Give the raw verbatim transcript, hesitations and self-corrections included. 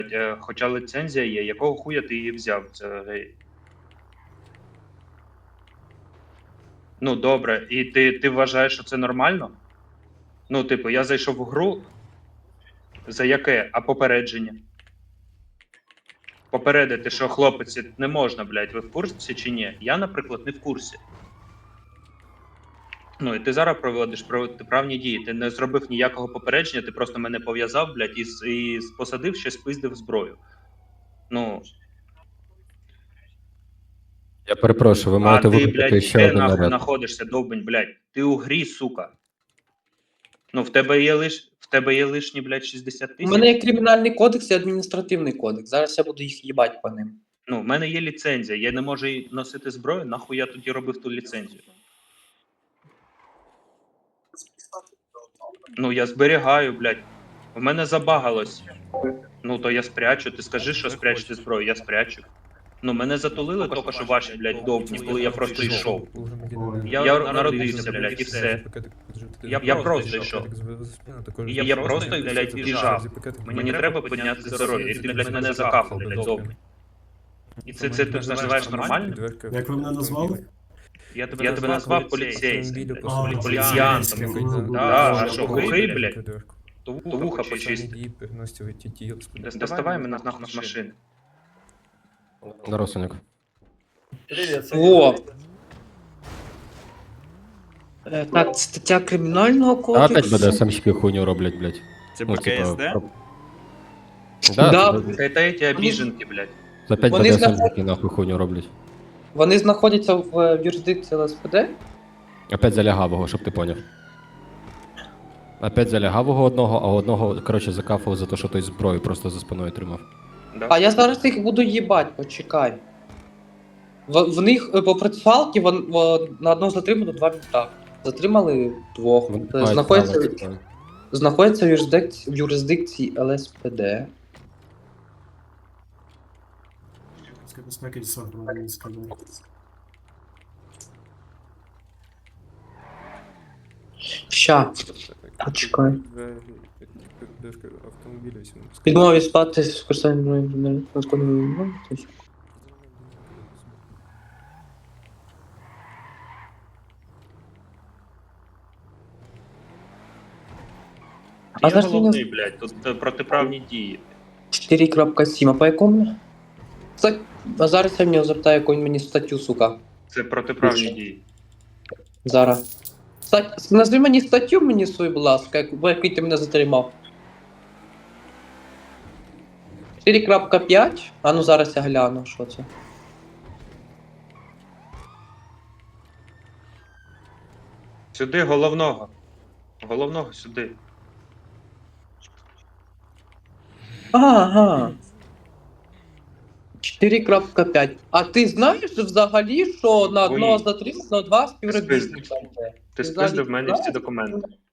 е, хоча ліцензія є, якого хуя ти її взяв? Це гей. Ну, добре, і ти, ти вважаєш, що це нормально? Ну, типу, я зайшов в гру. За яке? А попередження? Попередити, що хлопець не можна, блядь, ви в курсі чи ні? Я, наприклад, не в курсі. Ну, і ти зараз проводиш протиправні дії. Ти не зробив ніякого попередження, ти просто мене пов'язав, блядь, і, с- і посадив, ще спиздив зброю. Ну, Я перепрошую, ви а маєте ти, викликати блядь, ще де один нахуй наряд. знаходишся, довбень, блядь? Ти у грі, сука. Ну, в тебе є лиш, в тебе є лишні, блядь, шістдесят У тисяч. мене є кримінальний кодекс і адміністративний кодекс. Зараз я буду їх їбати по ним. Ну, в мене є ліцензія, я не можу їй носити зброю, нахуй я тоді робив ту ліцензію. Ну, я зберігаю, блядь. У мене забагалось. Ну, то я спрячу. Ти скажи, що спрячете зброю, я спрячу. Ну, мене затулили тільки що ваші, блядь, довбні, коли я просто йшов. Я, я народився, блядь, і все. Я, я просто йшов. І я, я просто, блядь, біжав. Мені треба підняти здоров'я, і ти, блядь, мене закапав, блядь, довбні. І це, це ти називаєш нормально? Як ви мене назвали? Я тебе, я тебе назвав поліцейським, блядь, А, поліціянтом. поліціянтом. Да, а що, глухий, блядь? То вуха почисти. Доставай мене нахуй з машини. Дорослик. О! Е, так, стаття кримінального А кодексу. опять БДСМщики хуйню роблять, блядь. Це Ну, типа, БКСД? про- Да, Да. да. Це, це ті обіженки, блядь. Опять Вони БДСМщики нахуй хуйню роблять. Вони знаходяться в е, юрисдикції ЛСПД. Опять за лягавого, щоб ти поняв. Опять за лягавого одного, а одного, коротше, закафав за те, що той зброю просто за спиною тримав. Да. А я зараз їх буду їбать, почекай. В, в них е, по процесуалці вон, вон, на одного затримано два мінта. Затримали двох. Вони Е, мають Знаходяться, право, типа. знаходяться в юрисдикції, в юрисдикції ЛСПД. Безпеки десанту мені сказали. Ща, почекай. Автомобілі всім. Відмові спати з використанням незаконної. А Я зараз головний, мені- блядь, тут е, протиправні дії. чотири крапка сім, а по якому? Кстати, а зараз я в нього запитаю, яку він мені статтю, сука. Це протиправні дії. Зараз. Кстати, назви мені статтю мені свою, будь ласка, як- в якій ти мене затримав. чотири крапка п'ять? А ну зараз я гляну, що це. Сюди головного. Головного сюди. Ага. чотири крапка п'ять. А ти знаєш взагалі, що на одного Ой. затриманого два співробітника? Ти взагалі спиздив в мене всі знаєш? документи.